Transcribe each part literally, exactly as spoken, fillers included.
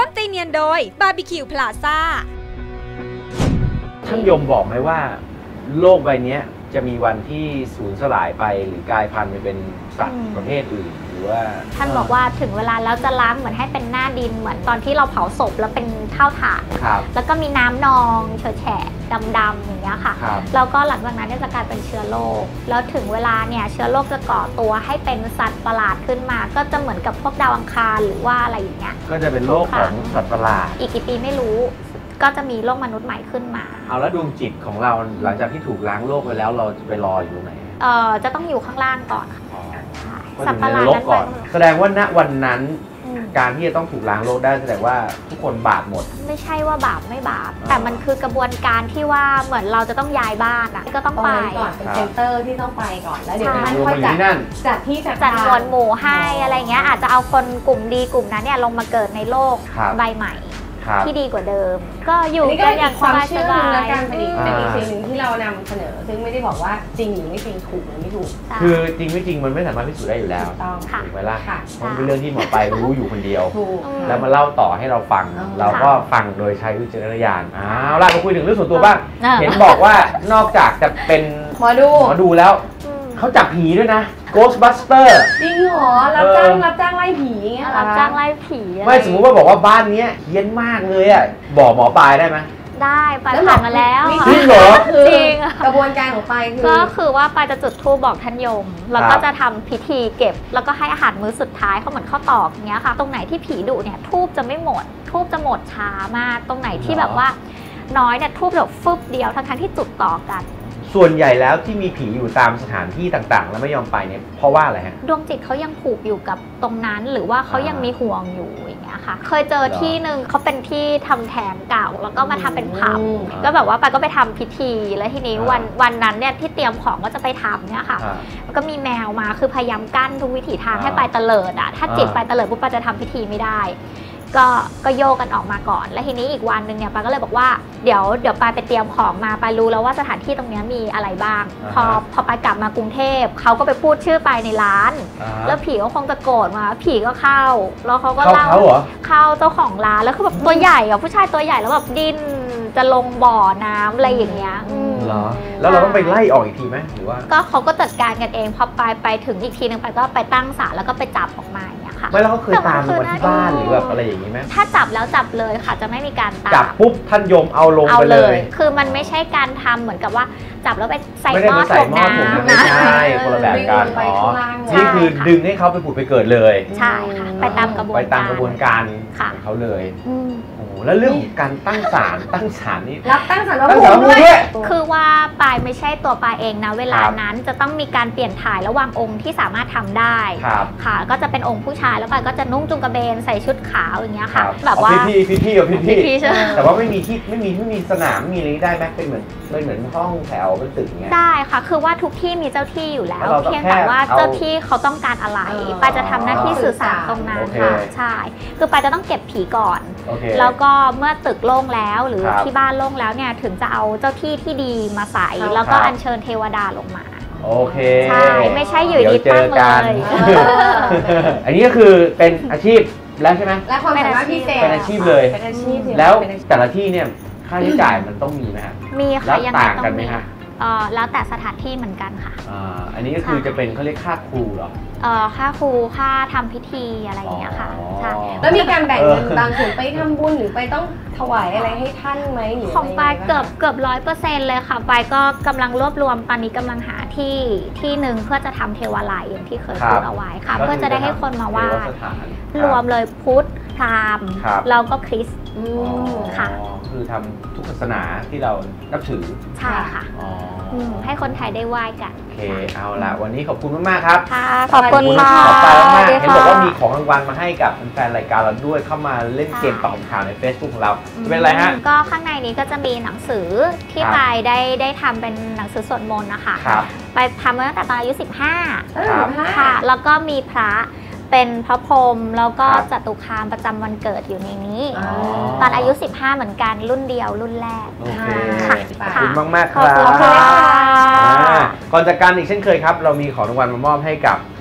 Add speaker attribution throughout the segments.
Speaker 1: ตตีเนียนโดยบาร์บีคิวพลาซ่า
Speaker 2: ท่านยมบอกไหมว่าโลกใบนี้จะมีวันที่สูญสลายไปหรือกลายพันธุ์ไปเป็นสัตว์ประเภทอื่นหรือว่า
Speaker 3: ท่านบอกว่าถึงเวลาแล้วจะล้างเหมือนให้เป็นหน้าดินเหมือนตอนที่เราเผาศพแล้วเป็นเท่าฐานแล้วก็มีน้ำนองเฉอะแฉะดำๆอย่างเงี้ยค่ะแล้วก็หลังจากนั้นจะกลายเป็นเชื้อโรคแล้วถึงเวลาเนี่ยเชื้อโรคจะก่อตัวให้เป็นสัตว์ประหลาดขึ้นมาก็จะเหมือนกับพวกดาวอังคารหรือว่าอะไรอย่างเงี้ย
Speaker 2: ก็จะเป็นโรคของสัตว์ประหลาด
Speaker 3: อีกกี่ปีไม่รู้ก็จะมีโลกมนุษย์ใหม่ขึ้นมา
Speaker 2: เอาแล้วดวงจิตของเราหลังจากที่ถูกล้างโลกไปแล้วเราจะไปรออยู่ตรงไหน
Speaker 3: เอ่อจะต้องอยู่ข้างล่างก่อน
Speaker 2: สัตว์ประหลาดนั้นก่อนแสดงว่าณวันนั้นการที่จะต้องถูกล้างโลกได้แสดงว่าทุกคนบาปหมด
Speaker 3: ไม่ใช่ว่าบาปไม่บาปแต่มันคือกระบวนการที่ว่าเหมือนเราจะต้องย้ายบ้านอ่ะก็ต้องไป
Speaker 4: ก่อนเป็นเซ็นเตอร์ที่ต้องไปก่อนแล้วเดี๋ยวมันค่อยจัดจัดที่
Speaker 3: จัดมวลหมู่ให้อะไรเงี้ยอาจจะเอาคนกลุ่มดีกลุ่มนั้นเนี่ยลงมาเกิดในโลกใบใหม่ที่ดีกว่าเดิมก็อยู่
Speaker 4: กันอย่างความเชื่อและการเป็นอีกเป็นอีกสิ่งหนึ่งที่เรานำเสนอซึ่งไม่ได้บอกว่าจริงหรือไม่จริงถูกหรือไม่ถูก
Speaker 2: คือจริงไม่จริงมันไม่สามารถพิสูจน์ได้อยู่แล้วถูกไหมล่ะมันเป็นเรื่องที่หมอไปรู้อยู่คนเดียวแล้วมาเล่าต่อให้เราฟังเราก็ฟังโดยใช้วิจารณญาณอ้าวล่ะมาคุยถึงเรื่องส่วนตัวบ้างเห็นบอกว่านอกจากจะเป็น
Speaker 4: หมอดู
Speaker 2: หมอดูแล้วเขาจับผีด้วยนะ Ghostbuster
Speaker 4: จริงเหรอรับจ้างรับจ้างไล่ผีเงี้ย
Speaker 3: รับจ้างไล่ผี
Speaker 2: ไม่สมมติว่าบอกว่าบ้านนี้เฮี้ยนมากเลยอ่ะบอกหมอปลายได้ไหม
Speaker 3: ได้ปลายผ่านมาแล้ว
Speaker 2: จริงเหรอ
Speaker 3: จริง
Speaker 4: กระบวนการของปลายคือ
Speaker 3: ก็คือว่าปลายจะจุดธูปบอกท่านยมแล้วก็จะทำพิธีเก็บแล้วก็ให้อาหารมื้อสุดท้ายเขาเหมือนข้าวตอกอย่างเงี้ยค่ะตรงไหนที่ผีดุเนี่ยธูปจะไม่หมดธูปจะหมดช้ามากตรงไหนที่แบบว่าน้อยเนี่ยธูปแบบฟึบเดียวทั้งๆที่จุดต่อกัน
Speaker 2: ส่วนใหญ่แล้วที่มีผีอยู่ตามสถานที่ต่างๆแล้วไม่ยอมไปเนี่ยเพราะว่าอะไรฮะ
Speaker 3: ดวงจิตเขายังผูกอยู่กับตรงนั้นหรือว่าเขายังมีห่วงอยู่อย่างเงี้ยค่ะเคยเจอที่หนึ่งเขาเป็นที่ทำแท้งเก่าแล้วก็มาทำเป็นผับก็แบบว่าไปก็ไปทำพิธีแล้วทีนี้วันวันนั้นเนี่ยที่เตรียมของก็จะไปทำเนี่ยค่ะก็มีแมวมาคือพยายามกั้นทุกวิถีทางให้ไปเตลิดอ่ะถ้าจิตไปเตลิดปุ๊บไปจะทำพิธีไม่ได้ก็ก็โยกกันออกมาก่อนแล้วทีนี้อีกวันหนึ่งเนี่ยปาก็เลยบอกว่าเดี๋ยวเดี๋ยวปาไปเตรียมของมาปารู้แล้วว่าสถานที่ตรงนี้มีอะไรบ้างพอพอปากลับมากรุงเทพเขาก็ไปพูดชื่อไปในร้านแล้วผีก็คงจะโกรธมาผีก็เข้าแล้วเขาก็เล่าเข้าเจ้าของร้านแล้วคือแบบตัวใหญ่อะผู้ชายตัวใหญ่แล้วแบบดิ้นจะลงบ่อน้ำอะไรอย่างเงี้ย
Speaker 2: เหรอแล้วเราต้องไปไล่ออกอีกทีไหมหรือว่า
Speaker 3: ก็เขาก็จัดการกันเองพอไปไปถึงอีกทีนึงไปก็ไปตั้งศาลแล้วก็ไปจับออกมาอย่างเงี้ยค่ะ
Speaker 2: ไม่แล้วเขาเคยตามมาที่บ้านหรือแบบอะไรอย่างงี้ไหม
Speaker 3: ถ้าจับแล้วจับเลยค่ะจะไม่มีการตาม
Speaker 2: จับปุ๊บท่านยมเอาลงไปเลย
Speaker 3: คือมันไม่ใช่การทำเหมือนกับว่าจับแล้วไปใส่หม้อถ่วงน้ำ
Speaker 2: ไม่ใช่คนละแบบกันอ๋อนี่คือดึงให้เขาไปผุดไปเกิดเลย
Speaker 3: ใช่ค่ะไปตามกระบวนการ
Speaker 2: ไปตามกระบวนการของเขาเลยโอ้แล้วเรื่องการตั้งศาลตั้งศาลนี่
Speaker 4: รับตั้งศาล
Speaker 2: ตั้งศาลด้วย
Speaker 3: คือว่าปายไม่ใช่ตัวปายเองนะเวลานั้นจะต้องมีการเปลี่ยนถ่ายระหว่างองค์ที่สามารถทำได้ค่ะก็จะเป็นองค์ผู้ชายแล้วปายก็จะนุ่งจุงกระเบนใส่ชุดขาวอย่างเงี้ยค่ะ
Speaker 2: แบบว่าพี่พี่พี่พี่พี่แต่ว่าไม่มีที่ไม่มีไม่มีสนามไม่มีอะไรได้ไหมเป็นเหมือนเป็นเหมือนห้องแถวเป็นตึกเงี้ย
Speaker 3: ได้ค่ะคือว่าทุกที่มีเจ้าที่อยู่แล้วเพียงแต่ว่าเจ้าที่เขาต้องการอะไรปายจะทำหน้าที่สื่อสารตรงนั้นค่ะใช่คือปายจะต้องเก็บผีก่อนแล้วก็เมื่อตึกโล่งแล้วหรือที่บ้านโล่งแล้วเนี่ยถึงจะเอาเจ้าที่ที่ดีมาใส่แล้วก็อัญเชิญเทวดาลงมา
Speaker 2: โอเค
Speaker 3: ใช่ไม่ใช่อยู่ดีตั้งเลย
Speaker 2: อันนี้ก็คือเป็นอาชีพแล้วใช่ไหม
Speaker 4: และความสามารถพิเศษ
Speaker 2: เป็นอาชีพเลยแล้วแต่ละที่เนี่ยค่าใช้จ่ายมันต้องมีไหมฮะ
Speaker 3: มีค่ะยัง
Speaker 2: ต่างกันไหมฮะ
Speaker 3: แล้วแต่สถานที่เหมือนกันค่ะ
Speaker 2: อันนี้ก็คือจะเป็นเขาเรียกค่าครูเหรอ
Speaker 3: ค่าครูค่าทำพิธีอะไรอย่างเงี้ยค่ะใช่
Speaker 4: แล้วมีการแบ่งเงินบางส่วนไปทำบุญหรือไปต้องถวายอะไรให้ท่านไหมหรือ
Speaker 3: ของปายเกือบเกือบร้อยเปอร์เซ็นต์เลยค่ะปายก็กำลังรวบรวมตอนนี้กำลังหาที่ที่หนึ่งเพื่อจะทำเทวาลัยอย่างที่เคยพูดเอาไว้ค่ะเพื่อจะได้ให้คนมาไหว้รวมเลยพุทธพราหมณ์แล้วก็คริสต์ค่ะ
Speaker 2: คือทำทุกศาสนาที่เรานับถือ
Speaker 3: ใช่ค่ะให้คนไทยได้ไหว้กัน
Speaker 2: โอเคเอาล่ะวันนี้ขอบคุณมากๆครับ
Speaker 3: ค่ะขอบคุณมาก
Speaker 2: ขอบคุณมากเห็นบอกว่ามีของรางวัลมาให้กับแฟนรายการเราด้วยเข้ามาเล่นเกมตอบคำถามใน Facebook ของเราเป็นอะไรฮะ
Speaker 3: ก็ข้างในนี้ก็จะมีหนังสือที่ไปได้ได้ทำเป็นหนังสือสวดมนต์นะคะไปทำมาตั้งแต่ตอนอายุสิบห้าค่ะแล้วก็มีพระเป็นพระพรหมแล้วก็จตุคามประจำวันเกิดอยู่ในนี้ตอนอายุสิบห้าเหมือนกันรุ่นเดียวรุ่นแรก
Speaker 2: ขอบคุณมากมากครับก่อนจากกันอีกเช่นเคยครับเรามีของรางวัลมามอบให้กับ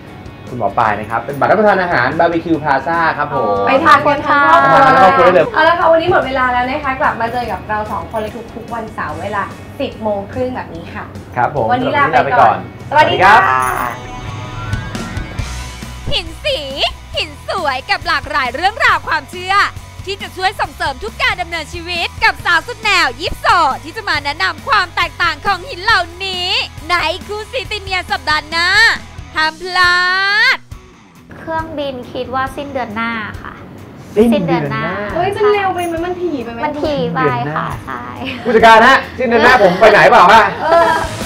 Speaker 2: คุณหมอปลายนะครับเป็นบัตรรับประทานอาหารบาร์บีคิวพลาซ่าครับผม
Speaker 4: ไปทานกันทั้งครอบครัว
Speaker 2: ไปทานกันทั้งครอบครัวได้เลย
Speaker 4: เอาละค่ะวันนี้หมดเวลาแล้วนะคะกลับมาเจอกับเราสองคนเลยทุกๆวันเสาร์เวลาสิบโมงครึ่งแบบนี้ค่ะ
Speaker 2: ครับผม
Speaker 4: วันนี้ลา
Speaker 2: สำหรับ
Speaker 4: ไปก่อน สวัสดีค่ะ
Speaker 1: หินสี หินสวยกับหลากหลายเรื่องราวความเชื่อ ที่จะช่วยส่งเสริมทุกการดำเนินชีวิตกับสาวสุดแนวยิปโซที่จะมาแนะนำความแตกต่างของหินเหล่านี้ ในคูซีติเนียสัปดาห์หน้าห้ามพลาด
Speaker 3: เครื่องบินคิดว่าสิ้นเดือนหน้าค่ะ
Speaker 2: สิ้นเดือนหน้า
Speaker 4: เฮ้ยมันเร็วไปไหมมันถี่ไปไหม
Speaker 3: มันทีไปค่ะใช่
Speaker 2: ผู้จัดการฮะสิ้นเดือนหน้าผมไปไหนเปล่าฮะ
Speaker 4: เออ